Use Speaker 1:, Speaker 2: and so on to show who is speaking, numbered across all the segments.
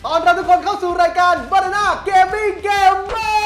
Speaker 1: ตอนรับทุกคนเข้าสู่รายการ Banana Gaming Gamer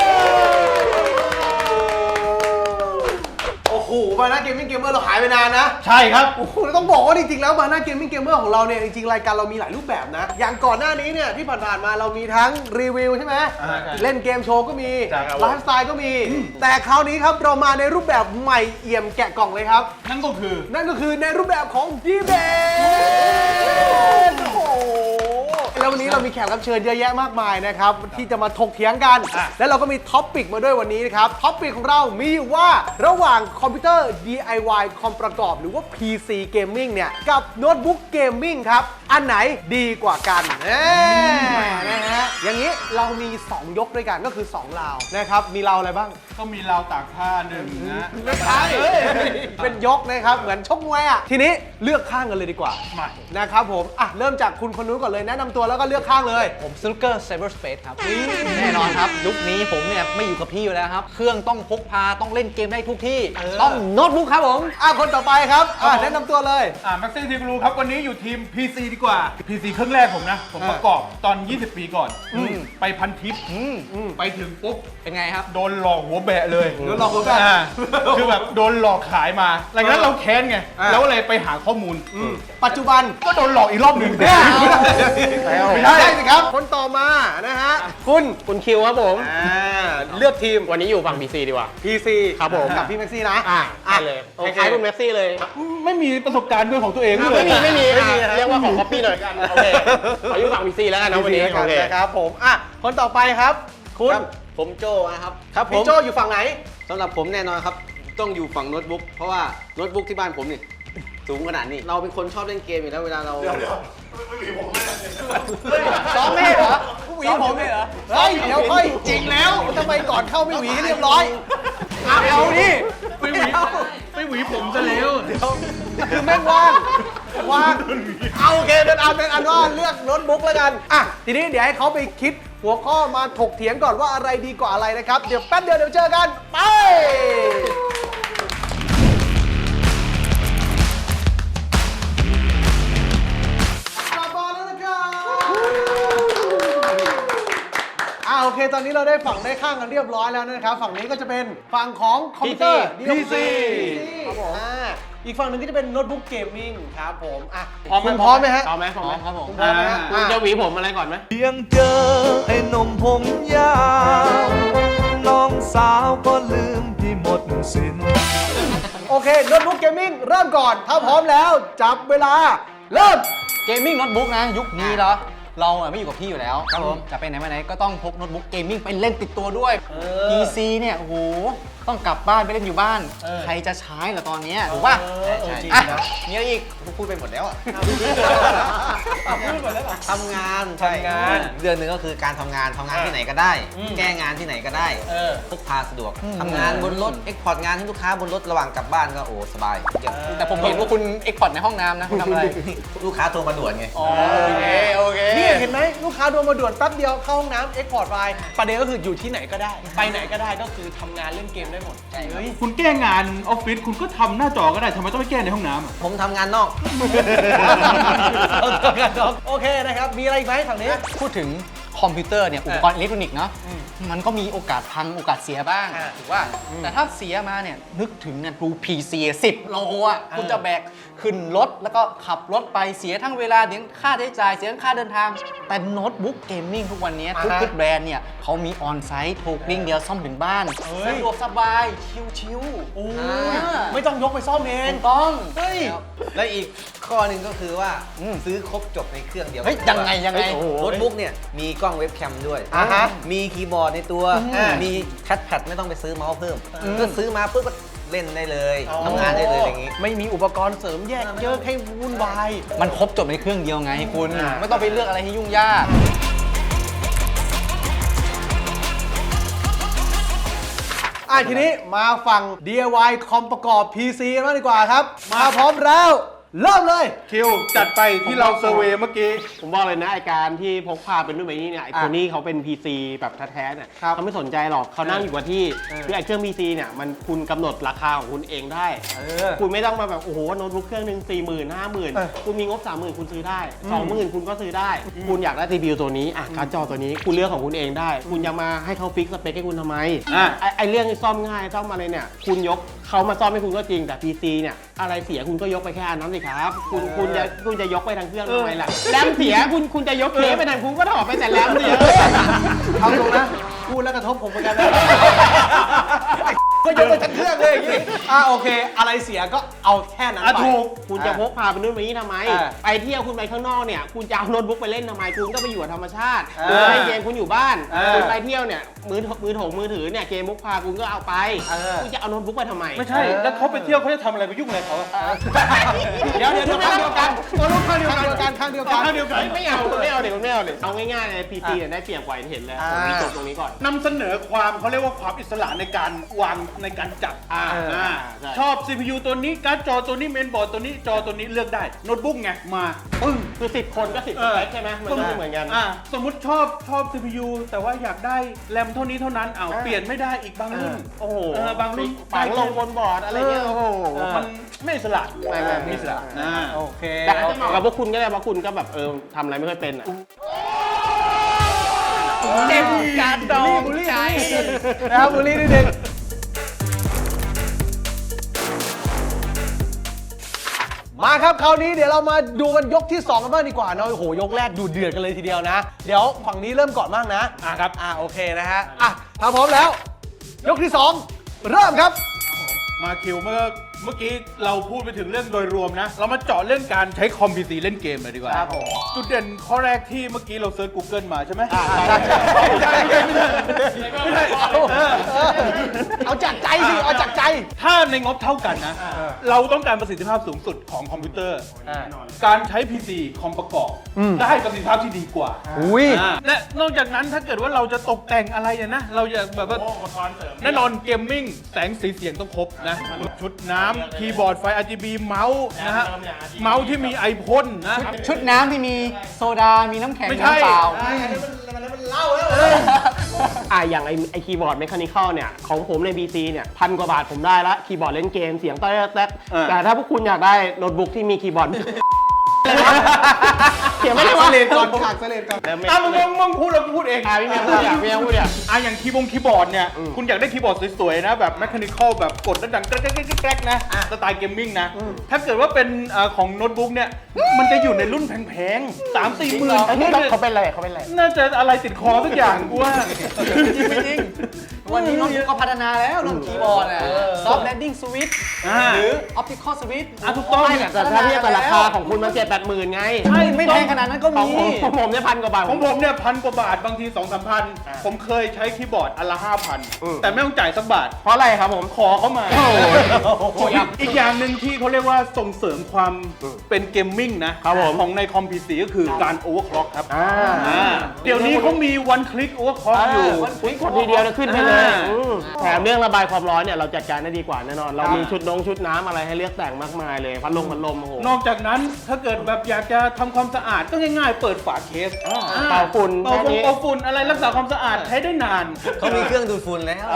Speaker 1: โอ้โห Banana Gaming Gamer เราหายไปนานนะ
Speaker 2: ใช่ครับ
Speaker 1: โอ้โหต้องบอกว่าจริงๆแล้ว Banana Gaming Gamer ของเราเนี่ยจริงๆรายการเรามีหลายรูปแบบนะอย่างก่อนหน้านี้เนี่ยที่ผ่านๆมาเรามีทั้งรีวิวใช่ไหมเล่นเกมโชว์ก็มีไลฟ์สไตล์ก็มีแต่คราวนี้ครับเรามาในรูปแบบใหม่เอี่ยมแกะกล่องเลยครับ
Speaker 2: นั่นก็คือ
Speaker 1: ในรูปแบบของดีเบตโอ้โหแล้ววันนี้เรามีแขกรับเชิญเยอะแยะมากมายนะครับที่จะมาถกเถียงกันและเราก็มีท็อปปิกมาด้วยวันนี้นะครับท็อปปิกของเรามีอยู่ว่าระหว่างคอมพิวเตอร์ DIY คอมประกอบหรือว่า PC Gaming เนี่ยกับโน้ตบุ๊กเกมมิ่งครับอันไหนดีกว่ากันนะฮะอย่างนี้เรามี2ยกด้วยกันก็คือ2ราวนะครับมีราวอะไรบ้าง
Speaker 2: ก็มีราวตากผ้าหนึ่งนะ
Speaker 1: ไม่ใช่เป็นยกนะครับเหมือนชกมวยอ่ะทีนี้เลือกข้างกันเลยดีกว่านะครับผมอ่ะเริ่มจากคุณคนนู้นก่อนเลยแนะนำตัวแล้วก็เลือกข้างเลย
Speaker 3: ผมสนุกเกอร์ไซเบอร์สเปซครับแน่นอนครับยุคนี้ผมเนี่ยไม่อยู่กับพี่อยู่แล้วครับเครื่องต้องพกพาต้องเล่นเกมได้ทุกที่ต้องโน้ตบุ๊กครับผม
Speaker 1: คนต่อไปครับแนะนำตัวเลย
Speaker 2: แม็กซี่ทีกรูครับวันนี้อยู่ทีม PC ดีกว่า PC เครื่องแรกผมนะผมประกอบตอน20 ปีก่อนไปพันทิปไปถึงปุ๊บ
Speaker 3: เป็นไงครับ
Speaker 2: โดนหลอกหัวแบะเลย
Speaker 1: โดนหลอกหัวแบะ
Speaker 2: คือแบบโดนหลอกขายมาหลังจากนั้นเราแค้นไงแล้วเลยไปหาข้อมูล
Speaker 1: ปัจจุบัน
Speaker 2: ก็โดนหลอกอีกรอบหนึ่ง
Speaker 1: ไม่ได้สิครับคนต่อมานะฮะ
Speaker 3: คุณคิวครับผม
Speaker 1: เลือกทีม
Speaker 3: วันนี้อยู่ฝั่ง PC ดีกว่า
Speaker 1: PC
Speaker 3: ครับผม
Speaker 1: กับพี่แม็กซี่นะ
Speaker 3: เลยคล้ายๆคุณแม็กซี่เลย
Speaker 2: ไม่มีประสบการณ์ด้วยของตัวเอง
Speaker 3: ไม่มีเรียกว่าของ copy หน่อยกันโอเคขออยู่ฝั่ง PC แล้วกันนะวันนี้
Speaker 1: โอเคครับผมคนต่อไปครับคุณ
Speaker 4: ผมโจนะครับ
Speaker 1: ครับพี่โจอยู่ฝั่งไหน
Speaker 4: สำหรับผมแน่นอนครับต้องอยู่ฝั่งโน้ตบุ๊กเพราะว่าโน้ตบุ๊กที่บ้านผมนี่สูงขนาดนี้เราเป็นคนชอบเล่นเกมอยู่แล้วเวลาเรา
Speaker 2: เดี๋ยวไม่มีผมเลย
Speaker 1: ซ้อมไม่เหรอหวีผมไม่เหรอเฮ้ยเดี๋ยวค่อยจริงแล้วทำไมก่อนเข้าไม่หวีให้เรียบร้อยเอาดิ
Speaker 2: ไม่หวีผมซะแล้ว
Speaker 1: เดี๋ยวคือแม่งว่างเอาโอเคเป็นอันว่าเลือกโน้ตบุ๊กแล้วกันทีนี้เดี๋ยวให้เขาไปคิดหัวข้อมาถกเถียงก่อนว่าอะไรดีกว่าอะไรนะครับเดี๋ยวแป๊บเดียวเดี๋ยวเจอกันไปโอเคตอนนี้เราได้ฝั่งได้ข้างกันเรียบร้อยแล้วนะครับฝั่งนี้ก็จะเป็นฝั่งของคอมพิวเตอร์
Speaker 2: PC
Speaker 1: ครับผมอีกฝั่งหนึ่งก็จะเป็นโน้ตบุ๊กเกมมิ่งครับผม
Speaker 3: คุณพร้อมไหมฮะ
Speaker 1: พร้อมไหม
Speaker 3: ครับผม
Speaker 1: พร้อมไหมฮะ
Speaker 3: คุณจะหวีผมอะไรก่อนไหม
Speaker 5: เพียงเจอไอ้นมผมยาวน้องสาวก็ลืมพี่หมดสิ้น
Speaker 1: โอเคโน้ตบุ๊กเกมมิ่งเริ่มก่อนถ้าพร้อมแล้วจับเวลาเริ่ม
Speaker 3: เกมมิ่งโน้ตบุ๊กนะยุคนี้เหรอเราไม่อยู่กับพี่อยู่แล้วครับผมจะไปไหนมาไหนก็ต้องพกโน้ตบุ๊กเกมมิ่งไปเล่นติดตัวด้วย PC เนี่ยโอ้โหต้องกลับบ้านไปเล่นอยู่บ้านใครจะใช้เหรอตอนนี้ถูกป่ะ
Speaker 1: ใช่
Speaker 3: มีอะไรอีกพูดไปหมดแล้ว
Speaker 4: ทำงานเดือนหนึ่งก็คือการทำงานที่ไหนก็ได้แก้งานที่ไหนก็ได้พกพาสะดวกทำงานบนรถเอ็กพอร์ตงานให้ลูกค้าบนรถระหว่างกลับบ้านก็โอ้สบาย
Speaker 3: แต่ผมเห็นว่าคุณเอ็กพอร์ตในห้องน้ำนะคุณทำอะไร
Speaker 4: ลูกค้าโทรมาด่วนไง
Speaker 3: โอเค
Speaker 1: นี่เห็นไหมลูกค้าโทรมาด่วนแป๊บเดียวเข้าห้องน้ำเอ็กพอร์ตไฟล์ประเด็นก็คืออยู่ที่ไหนก็ได้ไปไหนก็ได้ก็คือทำงานเล่นเกมได้หมด
Speaker 2: คุณแก้งานออฟฟิศคุณก็ทำหน้าจอก็ได้ทำไมต้องไปแก้ในห้องน้ำ
Speaker 4: ผมทำงานนอก
Speaker 1: โอเคนะครับมีอะไรอีกไหมฝั่งนี้
Speaker 3: พูดถึงคอมพิวเตอร์เนี่ยอุปกรณ์อิเล็กทรอนิกส์เนาะมันก็มีโอกาสพังโอกาสเสียบ้างถูกว่าแต่ถ้าเสียมาเนี่ยนึกถึงเนี่ยดู PC 10 โลอ่ะคุณจะแบกขึ้นรถแล้วก็ขับรถไปเสียทั้งเวลาเสียค่าใช้จ่ายเสียทั้งค่าเดินทางแต่โน้ตบุ๊กเกมมิ่งทุกวันนี้ทุกแบรนด์เนี่ยเขามีออนไซต์ถูกลิงก์เดียวซ่อมถึงบ้านสะดวกสบายชิว
Speaker 1: ๆไม่ต้องยกไปซ่อมเอง
Speaker 3: ต้อง
Speaker 4: และอีกข้อหนึ่งก็คือว่าซื้อครบจบในเครื่องเดียว
Speaker 3: ยังไง
Speaker 4: โน้ตบุ๊กเนี่ยมีกล้องเว็บแคมด้วยมีคีย์บอร์ดในตัวมีแท็บแพดไม่ต้องไปซื้อเมาส์เพิ่มก็ซื้อมาปุ๊บก็เล่นได้เลยทำงานได้เลยอย่างนี้
Speaker 1: ไม่มีอุปกรณ์เสริมแยกเยอะให้วุ่นวาย
Speaker 3: มันครบจบในเครื่องเดียวไงคุณไม่ต้องไปเลือกอะไรให้ยุ่งยาก
Speaker 1: ทีนี้มาฝั่ง DIY คอมประกอบ PC กันบ้างดีกว่าครับมาพร้อมแล้วเริ่มเลย
Speaker 2: คิวจัดไปที่เราเซอร์เวย์เมื่อกี้
Speaker 6: ผมบอกเลยนะไอการที่พกพาเป็นรุ่นแบบนี้เนี่ยไอคนนี้เขาเป็น PC แบบแท้ๆเนี่ย
Speaker 1: ครับ
Speaker 6: เขาไม่สนใจหรอกเขานั่งอยู่กับที่คือไอเครื่อง PC เนี่ยมันคุณกำหนดราคาของคุณเองได้ คุณไม่ต้องมาแบบโอ้โหโน้ตบุ๊กเครื่องหนึ่ง40,000 50,000 คุณมีงบ 30,000 คุณซื้อได้ 20,000 คุณก็ซื้อได้ คุณอยากได้ CPU ตัวนี้การ์ดจอตัวนี้คุณเลือกของคุณเองได้ คุณจะมาให้เขาฟิกสเปคให้คุณทำไม ไอเรื่องซ่อมง่ายซ่อมอะไรเนี่ยคุณยกเขามาซ่อมให้คุณก็จริงแต่ PC เนี่ยอะไรเสียคุณก็ยกไปแค่อันนั้นสิครับคุณจะยกไปทางเครื่องทำไมล่ะแรมเสียคุณจะยกเคสไปทางคุณก็ถอดไปแต่แรมเสีย
Speaker 1: เอาตรงนะพูดแล้วกระทบผมเหมือนกันนะก็ยกไปทั้งเครื่องเลยอย่างงี้โอเค อะไรเสียก็เอาแค่นั้นไป
Speaker 6: ถูกคุณจะพกพาไปนู่นไปนี่ทำไม
Speaker 1: อ่า
Speaker 6: ไปเที่ยวคุณไปข้างนอกเนี่ยคุณจะเอาโน้ตบุ๊กไปเล่นทำไมคุณก็ไปอยู่กับธรรมชาติ
Speaker 1: อ่า
Speaker 6: คุณเล่นเกมคุณอยู่บ้าน
Speaker 1: อ่า
Speaker 6: คุณไปเที่ยวเนี่ยมือถือเนี่ยเกมพกพาคุณก็เอาไป คุณจะเอาโน้ตบุ๊กไปทำไม
Speaker 2: ไม่ใช่ แล้วเขาไปเที่ยวเขาจะทำอะไรไปยุ่งอะไรเขาอะ
Speaker 6: เดี๋ยวข้างเดียวกัน
Speaker 1: ตัวลูกข้างเดียวกันข้างเดียวกัน
Speaker 2: ข้างเดียวกัน
Speaker 6: ไม่เอาเดี๋ยวเอาง่ายๆเลย PC เนี่ยได้เปรียบกว่าเห็นเลย
Speaker 1: อ่า
Speaker 6: ผมจบตรงนี้ก่อน
Speaker 2: นำเสนอความเขาเรียกว่าความอิสระในการวางในการจัด
Speaker 6: ใช่
Speaker 2: ชอบ CPU ตัวนี้การ์ดจอตัวนี้เมนบอร์ดตัวนี้จอตัวนี้เลือกได้โน้ตบุ๊กไงมาปึ้ง
Speaker 6: คือ10 คนก็10สเปคใช่ไหมมันก็ไม่เหมือนกัน
Speaker 2: สมมุติชอบ CPU แต่ว่าอยากได้แรมเท่านี้เท่านั้นเปลี่ยนไม่ได้อีกบางรุ่น
Speaker 6: โอ้โห
Speaker 2: บางรุ่น
Speaker 6: ฝังลงบนบอร์ดอะไรเงี้ยโอ้โห
Speaker 2: มันไม่อิสระ
Speaker 6: ไม่อิสระ
Speaker 1: โอเค
Speaker 6: แต่อาจจะเหมาะกับพวกคุณก็ได้เพราะคุณก็แบบทำอะไรไม่ค่อยเป็นอ่ะ
Speaker 3: เต็มการดองใจ
Speaker 1: นะครับบุรีนิดนึงมาครับคราวนี้เดี๋ยวเรามาดูกันยกที่ 2 กันบ้างดีกว่าเนาะโอ้โหยกแรกดูเดือดกันเลยทีเดียวนะ เดี๋ยวฝั่งนี้เริ่มก่อนบ้างนะ
Speaker 2: ครับ
Speaker 1: โอเคนะฮะถ้าพร้อมแล้ว ยกที่ 2 เริ่มครับ
Speaker 2: มาคิวเมื่อกี้เราพูดไปถึงเรื่องโดยรวมนะ เรามาเจาะเรื่องการใช้คอมพิวเตอร์เล่นเกมเลยดีกว่า
Speaker 1: ครับผม
Speaker 2: จุดเด่นข้อแรกที่เมื่อกี้เราเซิร์ช Google มาใช่ไหม
Speaker 1: เอาจากใจสิเอาจากใจ
Speaker 2: ถ้าในงบเท่ากันนะ เราต้องการประสิทธิภาพสูงสุดของคอมพิวเตอร์ การใช้ PC คอมประกอบได้ประสิทธิภาพที่ดีกว่า
Speaker 1: อุ้ย
Speaker 2: และนอกจากนั้นถ้าเกิดว่าเราจะตกแต่งอะไรเนี่ยนะ เราอยากแบบว่าแน่นอนเกมมิ่งแสงสีเสียงต้องครบนะ ชุดน้ำคีย์บอร์ดไฟ RGB เมาส์นะฮะ เมาส์ที่มีไอพ่นนะ
Speaker 3: ชุดน้ำที่มีโซดา มีน้ำแข็ง
Speaker 2: ไม่ใช่
Speaker 3: น้ำเปล่า
Speaker 6: อย่างไอคีย์บอร์ดเมคานิคอลเนี่ยของผมใน PC เนี่ย1,000 กว่าบาทผมได้ละคีย์บอร์ดเล่นเกมเสียงแต๊กแต่ถ้าพวกคุณอยากได้โน้ตบุ๊กที่มีคีย์บอร์ด เสียงไม่ได้ว่า
Speaker 1: เลนก่อนขาดเลนก่อน
Speaker 2: มึงพูดแล้วกูพูดเอง
Speaker 6: พี่เมียพูดอย่าง
Speaker 2: อย่างคีย์บอร์ดเนี่ย คุณอยากได้คีย์บอร์ดสวยๆนะ แบบแมคคานิคอลแบบกดแล้วดังแกรกๆนะสไตล์เกมมิ่งนะ ถ้าเกิดว่าเป็นของโน้ตบุ๊กเนี่ย มันจะอยู่ในรุ่นแพงๆ3-4 หมื่น
Speaker 6: เขาเป็นอะไร
Speaker 2: น่าจะอะไรติดคอทุกอย่างกูว่า
Speaker 3: ไม่จริง วันนี้น้องก็พัฒนาแล้วเรื่องคีย์บอร์ดซอฟต์แลนดิ้งสวิตช์หรือออปติคอลสวิตช์
Speaker 2: ถูกต้อง
Speaker 6: แต่ถ้าเทียบกับราคาของคุณมัน7-8 หมื่นไง
Speaker 3: ไม่แพงขนาดนั้นก็
Speaker 6: ของ
Speaker 3: มี
Speaker 6: ผมเนี่ย1,000 กว่าบาท
Speaker 2: ของผมเนี่ย1,000 กว่าบาทบางที 2-3 พัน ผมเคยใช้คีย์บอร์ดอันละ 5,000 แต่ไม่ต้องจ่ายสักบาท
Speaker 6: เพราะอะไรครับผม
Speaker 2: ขอเขามาอีกอย่างหนึ่งที่เขาเรียกว่าส่งเสริมความเป็นเกมมิ่งนะครับของในคอมพิวเตอร์ก็คือการโอเวอร์คล็อกครับเดี๋ยวนี้เขามีวันคลิกโอเวอร์คล็อกอยู่
Speaker 6: กดทีเดียวจะขึ้นไปเลย
Speaker 2: อ่า
Speaker 6: แถมเรื่องระบายความร้อนเนี่ยเราจัดการได้ดีกว่าแน่นอน เรามีชุดน้ำอะไรให้เลือกแต่งมากมายเลยพัดลมโอ้โห
Speaker 2: นอกจากนั้นถ้าเกิดแบบอยากจะทำความสะอาดก็ง่ายๆ เปิดฝาเคส
Speaker 6: เป่าฝุ่น
Speaker 2: เป่า
Speaker 6: แค่นี้
Speaker 2: ฝุ่นอะไรรักษาความสะอาดใช้ได้นาน
Speaker 4: เขามีเครื่องดูดฝุ่นแล้ว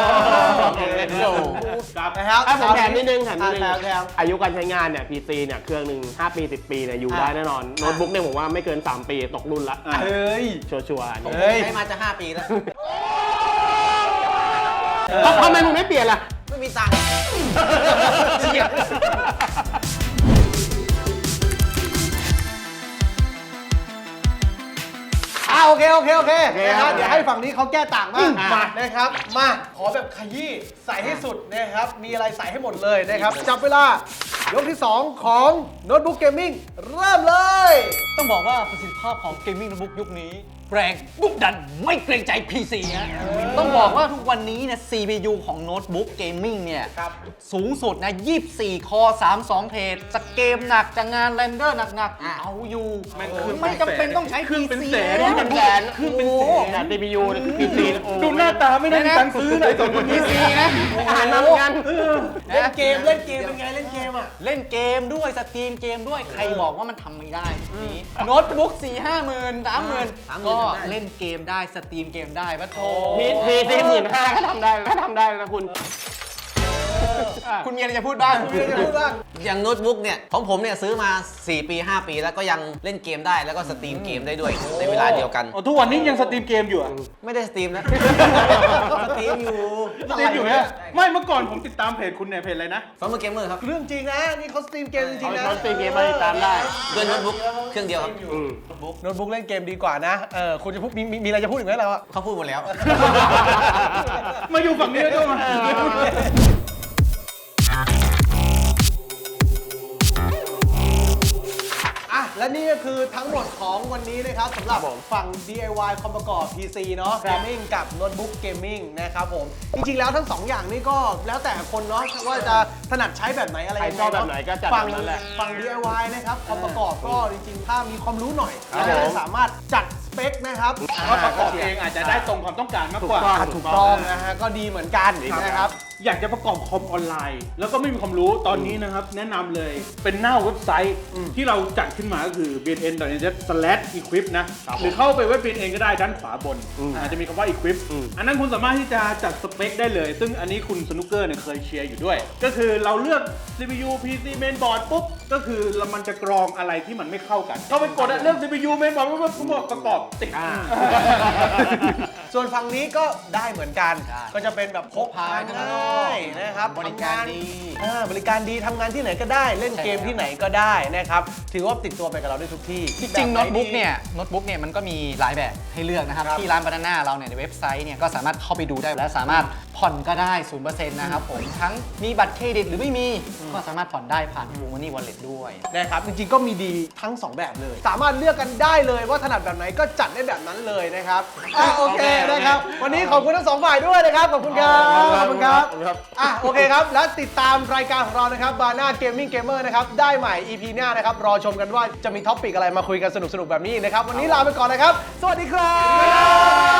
Speaker 1: นะครับ
Speaker 6: ผมแถมนิดนึง
Speaker 1: แถม
Speaker 6: อายุการใช้งานเนี่ย PC เนี่ยเครื่องหนึ่ง5 ปี 10 ปีเนี่ยอยู่ได้แน่นอน โน้ตบุ๊กเนี่ยผมว่าไม่เกิน 3 ปีตกรุ่นละ
Speaker 1: เฮ้ย
Speaker 6: ชัวร์ๆ
Speaker 4: ผมใช้มาจะ 5 ปีแล้ว
Speaker 6: ทำไมมึงไม่เปลี่ยนล่ะ
Speaker 4: ไม่มีตังค์
Speaker 1: โอเคนะฮะเดี๋ยวให้ฝั่งนี้เขาแก้ต่างบ้างมานะครับ มาขอแบบขยี้ใส่ให้สุดนะครับ มีอะไรใส่ให้หมดเลยนะครับ จับเวลายกที่ 2 ของโน้ตบุ๊กเกมมิ่งเริ่มเลย
Speaker 3: ต้องบอกว่าประสิทธิภาพของเกมมิ่งโน้ตบุ๊กยุคนี้แรงดุดันไม่เกรงใจ PC ฮะต้องบอกว่าทุกวันนี้เนี่ย CPU ของโน้ตบุ๊กเกมมิ่งเนี่ยสูงสุดนะ 24 คอ 32 เทรดจะเกมหนักจะงานเรนเดอร์หนักๆ เอาอยู่ ไม่จำเป็นต้องใช้
Speaker 2: เครื่องเป็น
Speaker 3: PC
Speaker 2: แสน
Speaker 3: แล้ว
Speaker 6: เป็นแสน
Speaker 2: เครื่องเป็นแสน
Speaker 6: แต่ CPU เนี่ยคือ PC
Speaker 2: ดูหน้าตาไม่ได้มีตังค์ซื้อเลยสองคนนี้
Speaker 3: PC นะ
Speaker 6: อ่านมาเหมือนกัน
Speaker 1: เล่นเกมเป็นไงเล่นเกมอ่ะ
Speaker 3: เล่นเกมด้วยสตรีมเกมด้วยใครบอกว่ามันทำไม่ได้นี้โน้ตบุ๊ก 4-5 หมื่น 30,000 ก็เล่นเกมได้สตรีมเกมได้ปะโถ
Speaker 6: PC 15,000ก็ทำได้นะคุณ
Speaker 3: คุณมีอะไรจะพูดบ้าง
Speaker 4: อย่างโน้ตบุ๊กเนี่ยของผมเนี่ยซื้อมา 4 ปี 5 ปีแล้วก็ยังเล่นเกมได้แล้วก็สตรีมเกมได้ด้วยในเวลาเดียวกัน
Speaker 2: อ๋อทุกวันนี้ยังสตรีมเกมอยู่อะ
Speaker 4: ไม่ได้สตรีมนะ สตรีมอยู่
Speaker 2: สตรีมอยู่เนี่ยไม่เมื่อก่อนผมติดตามเพจคุณเนี่ยเพจอะไรนะ
Speaker 4: ฟอร์มเกมเมอร์ครับ
Speaker 1: เรื่องจริงนะนี่เขาสตรีมเกมจริงๆนะ
Speaker 6: เอาสตรีมเกมมาติดตามได้
Speaker 4: ด้วยโน้ตบุ๊กเครื่องเดียวครับ
Speaker 1: โน้ตบุ๊กเล่นเกมดีกว่านะคุณจะพูดมีอะไรจะพูดอีกไหมเราอะ
Speaker 4: เขาพูดหมดแล้ว
Speaker 2: มาอยู่ฝั่งนี้แล้วด้วยมา
Speaker 1: อ่ะและนี่ก็คือทั้งหมดของวันนี้นะครับสำหรับฝั่ง DIY คอมประกอบ PC เนาะเกมมิ่งกับโน้ตบุ๊กเกมมิ่งนะครับผมจริงๆแล้วทั้ง 2 อย่างนี้ก็แล้วแต่คนเนาะว่าจะถนัดใช้แบบไหนอะไรยังไง
Speaker 6: ใครชอบแบบไหนก็จัด
Speaker 1: ฝั่ง
Speaker 6: แบบนั้นแหละ
Speaker 1: ฝั่ง DIY นะครับคอมประกอบก็จริงๆถ้ามีความรู้หน่อย
Speaker 6: ครับ
Speaker 1: ก็
Speaker 6: ผม
Speaker 1: สามารถจัดสเปคนะครับ
Speaker 2: ว่าประกอบเองอาจจะได้ตรงความต้องการมากกว่า
Speaker 1: ถูกต้องนะฮะก็ดีเหมือนกันนะครับ
Speaker 2: อยากจะประกอบคอมออนไลน์ แล้วก็ไม่มีความรู้ตอนนี้นะครับ แนะนำเลยเป็นหน้าเว็บไซต์ที่เราจัดขึ้นมาก็คือ bnn.net/equip นะ หรือเข้าไปเว็บ bnn ก็ได้ด้านขวาบนจะมีคำว่า equip อันนั้นคุณสามารถที่จะจัดสเปคได้เลย ซึ่งอันนี้คุณสนุกเกอร์เนี่ยเคยเชียร์อยู่ด้วย ก็คือเราเลือก CPU PC mainboard ปุ๊บ ก็คือมันจะกรองอะไรที่มันไม่เข้ากันเข้าไปกดเลือก CPU mainboard ปุ๊บประกอบติด
Speaker 1: ส่วนฝั่งนี้ก็ได้เหมือนกัน ก็จะเป็นแบบพกพา
Speaker 3: ข้างน
Speaker 1: ง่
Speaker 3: อก
Speaker 1: ายนะครับ
Speaker 3: บริการดี
Speaker 1: บริการดีทำงานที่ไหนก็ได้ เล่นเกมที่ไหนก็ได้นะครับ ถือว่าติดตัวไปกับเราได้ทุกที่
Speaker 3: จริงๆโน้ตบุ๊กเนี่ยมันก็มีหลายแบบให้เลือกนะครับ
Speaker 1: ครับ
Speaker 3: ที่ร้านบานาน่าเราเนี่ยในเว็บไซต์เนี่ยก็สามารถเข้าไปดูได้และสามารถผ่อนก็ได้ 0% นะครับผมทั้งมีบัตรเครดิตหรือไม่มีก็สามารถผ่อนได้ผ่าน True Money Wallet ด้วย
Speaker 1: นะครับ จริงๆก็มีดีทั้ง 2 แบบเลย สามารถเลือกกันได้เลยว่าถนัดแบบไหนก็จัดได้แบบนั้นเลยนะครับโอเคนะครับ วันนี้ขอบคุณทั้ง 2 ฝ่ายด้วยนะครับ ขอบคุณครับขอบคุณครับโอเคครับ และติดตามรายการของเรานะครับบาน่าเกมมิ่งเกมเมอร์นะครับได้ใหม่ EP หน้านะครับรอชมกันว่าจะมีท็อปิกอะไรมาคุยกันสนุกๆแบบนี้นะครับวันนี้ลาไปก่อนนะครับ สวัสดีครับ